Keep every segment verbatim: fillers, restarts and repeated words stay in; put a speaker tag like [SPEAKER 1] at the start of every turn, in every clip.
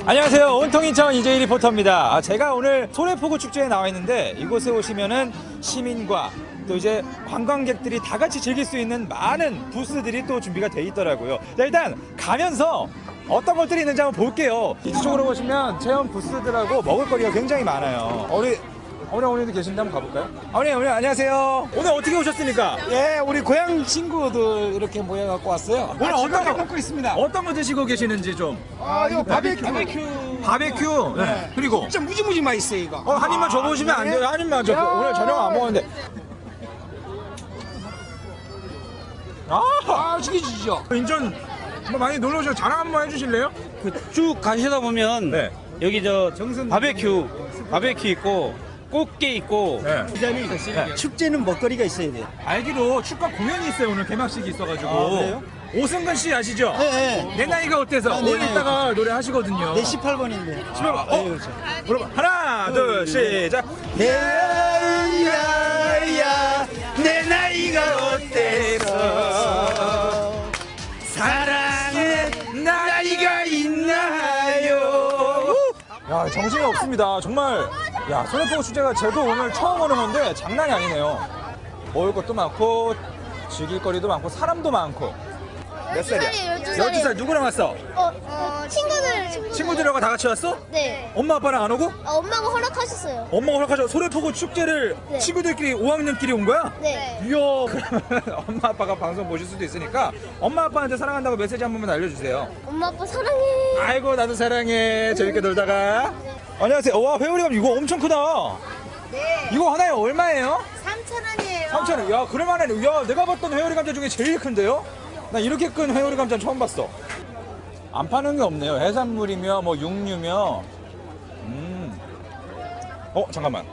[SPEAKER 1] 안녕하세요. 온통 인천 이재희 리포터입니다. 아, 제가 오늘 소래포구 축제에 나와 있는데 이곳에 오시면은 시민과 또 이제 관광객들이 다 같이 즐길 수 있는 많은 부스들이 또 준비가 돼 있더라고요. 자, 일단 가면서 어떤 것들이 있는지 한번 볼게요. 이쪽으로 보시면 체험 부스들하고 먹을거리가 굉장히 많아요. 우리 어머니 어머니도 계신데 한번 가볼까요? 어머니 어머니 안녕하세요. 오늘 어떻게 오셨습니까?
[SPEAKER 2] 예, 우리 고향 친구들 이렇게 모여갖고 왔어요.
[SPEAKER 1] 오늘 어떤 거
[SPEAKER 2] 먹고 있습니다.
[SPEAKER 1] 어떤 거 드시고 계시는지 좀.
[SPEAKER 2] 아, 이거 바베큐.
[SPEAKER 1] 바베큐. 바베큐. 네. 그리고
[SPEAKER 2] 진짜 무지무지 맛있어요, 이거.
[SPEAKER 1] 어, 한 입만 줘보시면 안 돼요? 한 입만 줘.
[SPEAKER 2] 야.
[SPEAKER 1] 오늘 저녁 안 먹었는데. 아,
[SPEAKER 2] 아, 죽여주시죠.
[SPEAKER 1] 인천 뭐 많이 놀러 오셔서 자랑 한번 해주실래요?
[SPEAKER 3] 그 쭉 가시다 보면
[SPEAKER 1] 네.
[SPEAKER 3] 여기 저 바베큐 바베큐 있고 꽃게 있고
[SPEAKER 1] 네.
[SPEAKER 3] 네. 축제는 먹거리가 있어야 돼요.
[SPEAKER 1] 알기로 축가 공연이 있어요. 오늘 개막식이 있어가지고.
[SPEAKER 3] 아, 그래요?
[SPEAKER 1] 오승근 씨 아시죠?
[SPEAKER 3] 네, 네.
[SPEAKER 1] 내 나이가 어때서?
[SPEAKER 3] 아, 네,
[SPEAKER 1] 오늘
[SPEAKER 3] 네.
[SPEAKER 1] 이따가 노래 하시거든요.
[SPEAKER 3] 내 십팔 번인데.
[SPEAKER 1] 십팔 번. 어?
[SPEAKER 3] 네, 그렇죠.
[SPEAKER 1] 여러분 하나 둘 시작.
[SPEAKER 3] 야야야 내 나이가 어때서 사랑의 나이가 있나요?
[SPEAKER 1] 야, 정신이 없습니다. 정말. 야, 소래포구 축제가 저도 오늘 처음 오는 건데 장난이 아니네요. 먹을 것도 많고 즐길 거리도 많고 사람도 많고. 몇 살이야?
[SPEAKER 4] 열두 살이에요.
[SPEAKER 1] 열두 살 누구랑 왔어?
[SPEAKER 4] 어, 어 친구들, 친구들.
[SPEAKER 1] 친구들하고 다 같이 왔어?
[SPEAKER 4] 네.
[SPEAKER 1] 엄마 아빠랑 안 오고?
[SPEAKER 4] 아, 엄마가 허락하셨어요.
[SPEAKER 1] 엄마가 허락하셔. 소래포구 축제를
[SPEAKER 4] 네.
[SPEAKER 1] 친구들끼리 오 학년끼리 온 거야?
[SPEAKER 4] 네.
[SPEAKER 1] 이야, 그러면 엄마 아빠가 방송 보실 수도 있으니까 엄마 아빠한테 사랑한다고 메시지 한 번만 알려주세요.
[SPEAKER 4] 엄마 아빠 사랑해.
[SPEAKER 1] 아이고 나도 사랑해. 재밌게 놀다가. 안녕하세요. 와, 회오리감 이거 엄청 크다.
[SPEAKER 4] 네.
[SPEAKER 1] 이거 하나에 얼마예요?
[SPEAKER 4] 삼천 원이에요.
[SPEAKER 1] 삼천 원. 야, 그럴만해. 야, 내가 봤던 회오리 감자 중에 제일 큰데요? 나 이렇게 큰 회오리 감자 처음 봤어. 안 파는 게 없네요. 해산물이며 뭐 육류며. 음. 어, 잠깐만.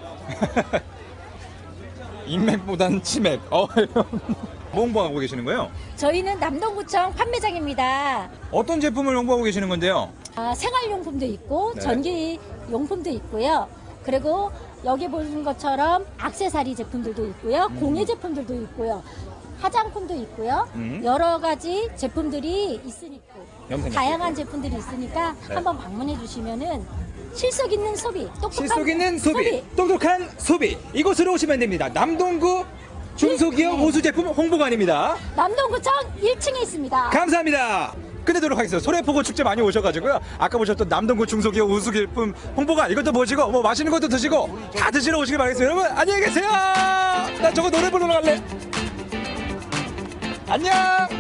[SPEAKER 1] 인맥보단 치맥. 어, 뭐 홍보하고 계시는 거예요?
[SPEAKER 5] 저희는 남동구청 판매장입니다.
[SPEAKER 1] 어떤 제품을 홍보하고 계시는 건데요?
[SPEAKER 5] 아, 생활용품도 있고
[SPEAKER 1] 네.
[SPEAKER 5] 전기용품도 있고요. 그리고 여기 보시는 것처럼 액세서리 제품들도 있고요.
[SPEAKER 1] 음.
[SPEAKER 5] 공예 제품들도 있고요. 화장품도 있고요.
[SPEAKER 1] 음.
[SPEAKER 5] 여러 가지 제품들이 있으니까
[SPEAKER 1] 염색약.
[SPEAKER 5] 다양한 제품들이 있으니까
[SPEAKER 1] 네.
[SPEAKER 5] 한번 방문해 주시면은 실속 있는 소비, 똑똑한
[SPEAKER 1] 실속 있는 소비, 똑똑한 소비. 이곳으로 오시면 됩니다. 남동구 중소기업
[SPEAKER 5] 네.
[SPEAKER 1] 호수 제품 홍보관입니다.
[SPEAKER 5] 남동구청 일 층에 있습니다.
[SPEAKER 1] 감사합니다. 끝내도록 하겠습니다. 소래포구 축제 많이 오셔가지고요. 아까 보셨던 남동구 중소기업 호수제품 홍보관 이것도 보시고 뭐 맛있는 것도 드시고 다 드시러 오시길 바라겠습니다. 여러분 안녕히 계세요. 나 저거 노래 부르러 갈래. 안녕.